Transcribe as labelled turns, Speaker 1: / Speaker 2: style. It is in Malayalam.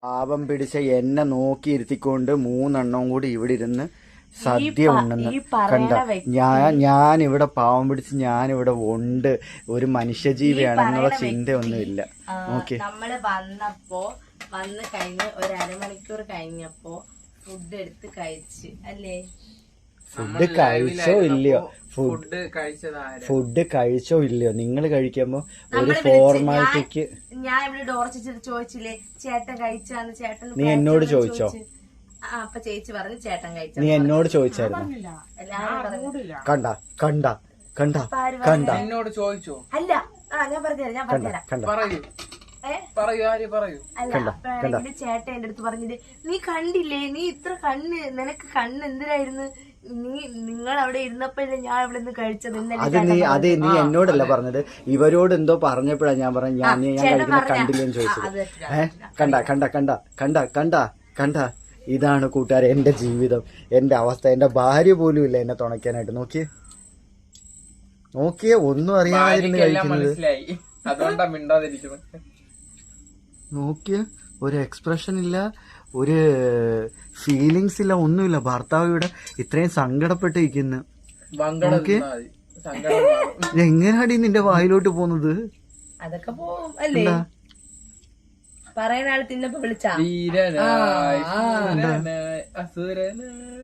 Speaker 1: പാപം പിടിച്ച എന്നെ നോക്കിയിരുത്തിക്കൊണ്ട് 3 എണ്ണം കൂടി ഇവിടെ ഇരുന്ന് സദ്യ ഉണ്ടെന്ന് കണ്ട. ഞാൻ ഇവിടെ പാവം പിടിച്ച് ഞാനിവിടെ ഉണ്ട്, ഒരു മനുഷ്യജീവിയാണെന്നുള്ള ചിന്തയൊന്നുമില്ല. ഓക്കെ,
Speaker 2: നമ്മള് വന്ന് കഴിഞ്ഞ് ഒരു അരമണിക്കൂർ കഴിഞ്ഞപ്പോ ഫുഡ് എടുത്ത് കഴിച്ച് അല്ലേ?
Speaker 1: ഫുഡ് കഴിച്ചോ ഇല്ലയോ? ഫുഡ് കഴിച്ചോ ഇല്ലയോ? നിങ്ങൾ കഴിക്കുമ്പോ ഒരു ഫോർമാലിറ്റിക്ക്
Speaker 2: ഞാൻ ഇവിടെ ഡോർ ചോദിച്ചില്ലേ ചേട്ടൻ കഴിച്ചാന്ന്? ചേട്ടൻ
Speaker 1: നീ എന്നോട് ചോദിച്ചോ?
Speaker 2: അപ്പൊ ചേച്ചി പറഞ്ഞു ചേട്ടൻ കഴിച്ചു.
Speaker 1: നീ എന്നോട് ചോദിച്ചായിരുന്നു? കണ്ട കണ്ട കണ്ട കണ്ട
Speaker 3: എന്നോട് ചോദിച്ചോ?
Speaker 2: അല്ല, ഞാൻ പറഞ്ഞുതരാം അല്ല, ചേട്ടൻ എന്റെ അടുത്ത് പറഞ്ഞത് നീ കണ്ടില്ലേ, നീ ഇത്ര കണ്ണ്, നിനക്ക് കണ്ണ് എന്തിനായിരുന്നു, നിങ്ങൾ അവിടെ ഇരുന്നപ്പോഴല്ലേ ഞാൻ ഇവിടെ നിന്ന് കഴിച്ചത്.
Speaker 1: അത് നീ എന്നോടല്ല പറഞ്ഞത്, ഇവരോട് എന്തോ പറഞ്ഞപ്പോഴാ ഞാൻ പറഞ്ഞു ഞാൻ കഴിക്കുന്ന കണ്ടില്ലെന്ന് ചോദിച്ചത്. കണ്ട കണ്ട കണ്ട കണ്ട കണ്ട കണ്ട ഇതാണ് കൂട്ടുകാരെ എന്റെ ജീവിതം, എന്റെ അവസ്ഥ. എന്റെ ഭാര്യ പോലും ഇല്ല എന്നെ തുണയ്ക്കാനായിട്ട്. നോക്കിയേ ഒന്നും അറിയാതിരുന്ന് കഴിക്കുന്നത്. നോക്കിയ ഒരു എക്സ്പ്രഷൻ ഇല്ല, ഒരു ഫീലിങ്സ് ഇല്ല, ഒന്നുമില്ല. ഭർത്താവ് ഇവിടെ ഇത്രയും സങ്കടപ്പെട്ടിരിക്കുന്നു. എങ്ങനെയാടി നിന്റെ വായിലോട്ട് പോകുന്നത്?
Speaker 2: അതൊക്കെ പോവും അല്ലേ? പറയുന്ന ആള് തിന്നപ്പോ വിളിച്ചാ